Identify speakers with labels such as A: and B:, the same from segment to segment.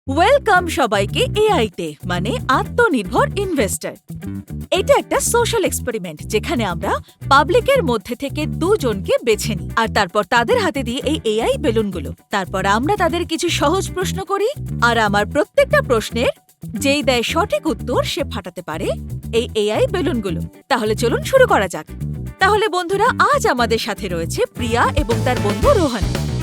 A: Welcome সবাইকে এআইতে মানে আত্মনির্ভর ইনভেস্টর। এটা একটা সোশ্যাল এক্সপেরিমেন্ট যেখানে আমরা পাবলিকের মধ্যে থেকে দুজনকে বেছে নিই আর তারপর তাদের হাতে দিয়ে এই এআই বেলুনগুলো। তারপর আমরা তাদের কিছু সহজ প্রশ্ন করি আর আমার প্রত্যেকটা প্রশ্নের যেই দেয় সঠিক উত্তর সে ফাটাতে পারে এই এআই বেলুনগুলো। তাহলে চলুন শুরু করা যাক। তাহলে বন্ধুরা, আজ আমাদের সাথে রয়েছে প্রিয়া এবং তার বন্ধু রোহন।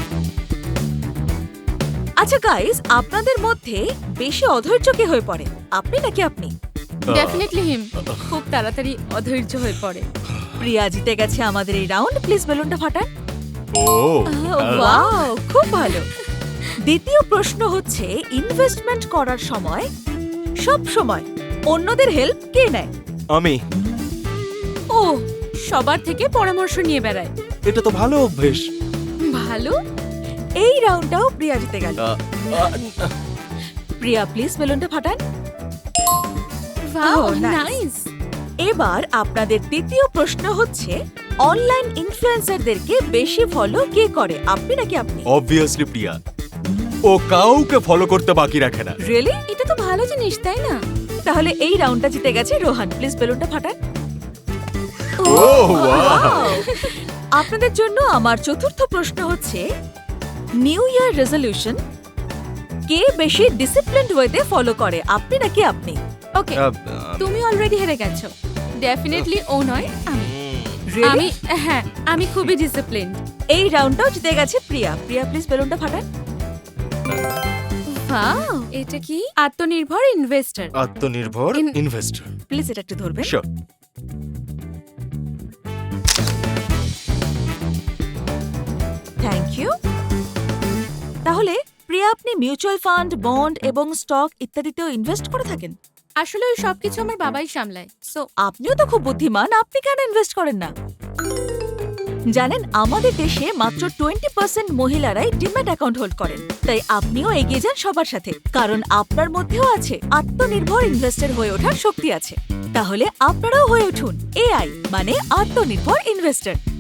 A: আচ্ছা গাইস, আপনাদের মধ্যে বেশি অধৈর্য কে হয়ে পড়ে, আপনি নাকি আপনি?
B: Definitely him. খুব তাড়াতাড়ি অধৈর্য হয়ে পড়ে।
A: প্রিয়া জিতে গেছে আমাদের এই রাউন্ড। প্লিজ বেলুনটা ফাটান।
B: ওয়াও,
A: খুব ভালো। দ্বিতীয় প্রশ্ন হচ্ছে, ইনভেস্টমেন্ট করার সময় সব সময় অন্যদের হেল্প কে নেয়?
C: আমি।
B: ও সবার থেকে পরামর্শ নিয়ে বেড়ায়।
C: এটা তো ভালো অভ্যেস।
B: ভালো।
A: এই রাউন্ডটাও প্রিয়া জিতে গেল। প্রিয়া প্লিজ বেলুনটা ফাটান।
B: Wow,
A: Oh, nice.
B: নাইস।
A: এবার আপনাদের তৃতীয় প্রশ্ন হচ্ছে, অনলাইন ইনফ্লুয়েন্সারদেরকে বেশি ফলো কে করে, আপনি নাকি আপনি?
C: অবভিয়াসলি প্রিয়া। ও কাউকে ফলো করতে বাকি রাখে না।
A: রিয়েলি?
B: এটা তো ভালো জিনিস, তাই না?
A: তাহলে এই রাউন্ডটা জিতে গেছে রোহান। প্লিজ বেলুনটা ফাটান।
C: Oh wow.
A: আপনাদের জন্য আমার চতুর্থ প্রশ্ন হচ্ছে, নিউ ইয়ার রেজলিউশন কে বেশি ডিসিপ্লিনড ওয়েতে ফলো করে, আপনি নাকি আপনি?
B: ওকে, তুমি অলরেডি হেরে গেছো। ডেফিনেটলি ও নয়, আমি।
A: Really?
B: হ্যাঁ, আমি খুবই ডিসিপ্লিনড।
A: এই রাউন্ডটাও জিতে গেছে প্রিয়া। প্রিয়া প্লিজ বেলুনটা ফাটান।
B: ওয়াও, এটা কি? আত্মনির্ভর ইনভেস্টর।
C: আত্মনির্ভর ইনভেস্টর।
A: প্লিজ এটা একটু ধরবেন।
C: শিওর।
A: Thank you. তাহলে প্রিয়া, আপনি মিউচুয়াল ফান্ড, বন্ড এবং স্টক ইত্যাদিতেও ইনভেস্ট করে থাকেন?
B: আসলে ওই সবকিছু আমার বাবাই সামলায়। সো
A: আপনিও তো খুব বুদ্ধিমান, আপনি কেন ইনভেস্ট করেন না? জানেন, আমাদের দেশে মাত্র 20% মহিলারাই ডিম্যাট অ্যাকাউন্ট হোল্ড করেন। তাই আপনিও এগিয়ে যান সবার সাথে, কারণ আপনার মধ্যেও আছে আত্মনির্ভর ইনভেস্টর হয়ে ওঠার শক্তি আছে। তাহলে আপনারাও হয়ে উঠুন এআই মানে আত্মনির্ভর ইনভেস্টর।